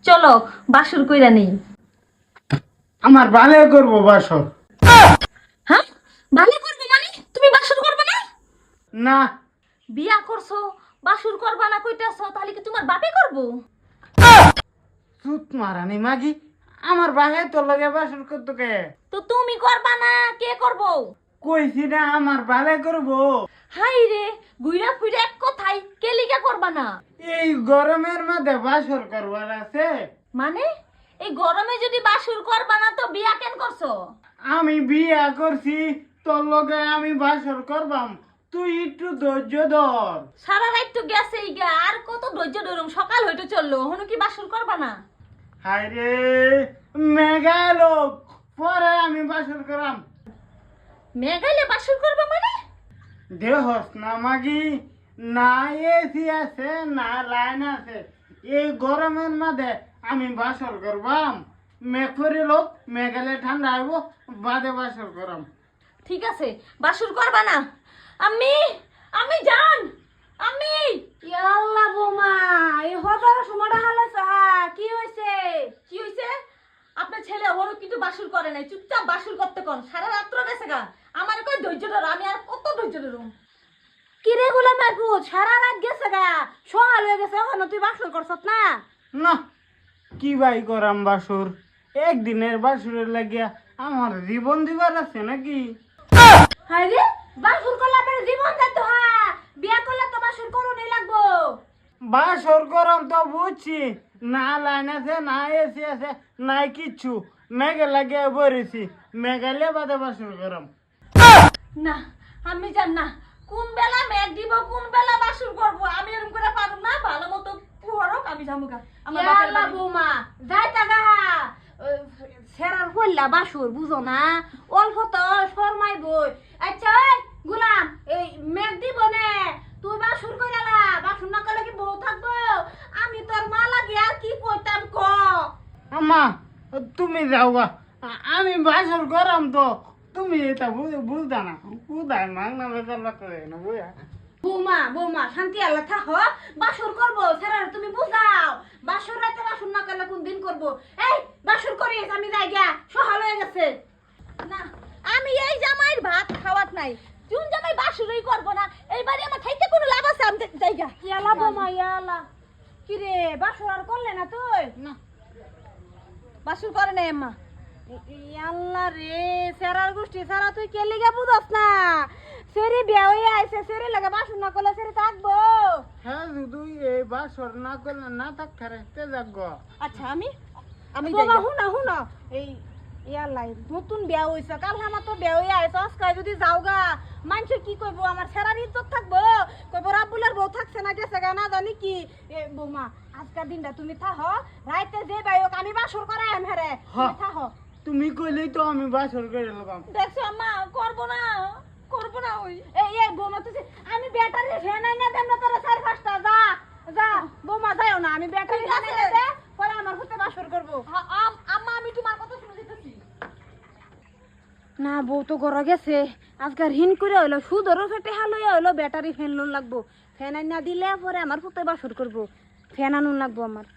চলো বাসর কইরা নেই। আমার ভালো করবো বাসর। হ্যাঁ, ভালো করবো মানে তুমি বাসর করবে না? না, বিয়া করছো, বাসর করবা না কইতাছো, তাহলে কি তোমার বাপে করবো? চুত মারানি মাগি, আমার ভাই তোর লগে বাসর করতো কে? তো তুমি করবা না, কে করবো? কইছি না আমার ভালো করবো। হাই রে, গুইরা ফুইরা এক কথাই কে লিগা করবা না? এই গরমের মধ্যে বাসর করবার আছে? মানে এই গরমে যদি বাসর করবা না তো বিয়া কেন করছো? আমি বিয়া করছি, তোর লগে আমি বাসর করবাম, তুই একটু ধৈর্য ধর। সারা রাত তো গেছে ইগা, আর কত ধৈর্য ধরুম, সকাল হইতে চললো, হনু কি বাসর করবা না? হায় রে, মেঘা লোক, পরে আমি বাসর করাম। মেঘাইলে বাসর করবা মানে? দেহস না মাগি, না এসি আছে না লাইন আছে, এই গরমের মধ্যে আমি বাসর করবাম। মেঘ করে লোক, মেঘালে ঠান্ডা আইব, বাদে বাসর করাম। ঠিক আছে, বাসর করবা না। আমি আমি জান আমি ইয়াল্লা বোমা, এই হজার সময়টা হালাইছে কি হইছে? কি হইছে? আপনার ছেলে ওরও কিন্তু বাসর করে নাই, চুপচাপ বাসর করতে কোন, সারা রাত্র গেছে গা। আমার কই ধৈর্য ধর, আমি আর কত ধৈর্য ধরুম? কি রে গোলাম মাহবুব, সারা রাত গেছে গা, সকাল হয়ে গেছে, এখন তুই বাসর করছত না? না, কি ভাই করাম বাসর? একদিনের বাসুরের লাগিয়া আমার জীবন দিবার আছে নাকি? হায় রে, বাসর করলে আপনার জীবন যেত বিয়া করলে তো বাসর করুনই লাগবো। বাসর করাম তো বুঝছি, না লাইন আছে না এসি আছে নাই কিচ্ছু, মেঘে লাগিয়ে বলেছি, মেঘালে বাদে বাসর করাম। না, আমি জান না কোন বেলা মেঘ দিব, কোন বেলা বাসর করব, আমি এরকম করে পারুম না। ভালো মতো পুহরক, আমি যামুগা আমার বাপের ইয়াল্লা বাড়ি। বোমা, যাইতা গা, সেরার হইলা বাসর বুঝো না, অল্প তো শর্মাই বই। আচ্ছা এই গোলাম, এই মেঘ দিব নে, তুই বাসর কইরা, বাসর না করলে কি বউ থাকবো? আমি তোর মা লাগে আর কি কইতাম ক? আম্মা, তুমি যাও গা, আমি বাসর করাম তো, তুমি এটা বুঝতা না, কোথায় মাংনা বেকার বাচ্চা না বুঝা। বৌমা বৌমা শান্তি আল্লাহ থাক, বাসর করবো সেরার তুমি বুঝাও, বাসর রাতে বাসর না করলে কোন দিন করবো? এই বাসর করিস, আমি যাই গা, সকাল হয়ে গেছে। না, আমি এই জামাইয়ের ভাত খাওয়াত নাই, কোন জামাই বাসরই করব না, এই বাড়ি আমার থাইতে কোনো লাভ আছে? আমি যাইগা। ইয়ালা বৌমা ইয়ালা, কি রে বাসর আর করলে না তুই? না, বাসর করে নাই আম্মা। ইয়াল্লা রে, সেরার গোষ্ঠী সারা তুই কে লিগা বুঝস না? সেরি বিয়া হয়ে আইছে, সেরি লাগা বাসর না করলে সেরি থাকবো? হ্যাঁ, যদি এই বাসর না করলে না থাকতে রেখতে যাগ। আচ্ছা, আমি আমি বাবা যাইগা। হুনা হুনা, এই ইয়ালাই নতুন বিয়া হইছে, কাল আমার তো বিয়া হয়ে আইছে, আজকে যদি যাওগা মানুষে কি কইবো? আমার সেরার ইজ্জত থাকবো? কইবো রাবুলের বউ থাকছে না গেছে গা, না জানি কি। এ বৌমা, আজকের দিনটা তুমি থাহ, রাইতে যে বাইক আমি বাসর করাই আম হেরে, তুমি থাহ। তুমি কইলেই তো আমি বাসর করে লবাম। দেখছো আম্মা, করব না, করব না। ওই এই বৌমা তুই, আমি ব্যাটারি ফ্যান আইনা দেব না তোরা, 4-5টা যা যা। বৌমা যাইও না, আমি ব্যাটারি ঠিক ফ্যান আছে। আইনা দে, পরে আমার হতে বাসর করবো। আম্মা, আমি তোমার কথা শুনে দিতেছি। না বউ তো ঘর গেছে, আজকাল হিন করে হইলো, সুদরও ফেটে হালইয়া হইলো, ব্যাটারি ফ্যান লোন লাগবো, ফ্যান আইনা দিলে পরে আমার পুতে বাসর করবো, ফ্যান আনুন লাগবো আমার।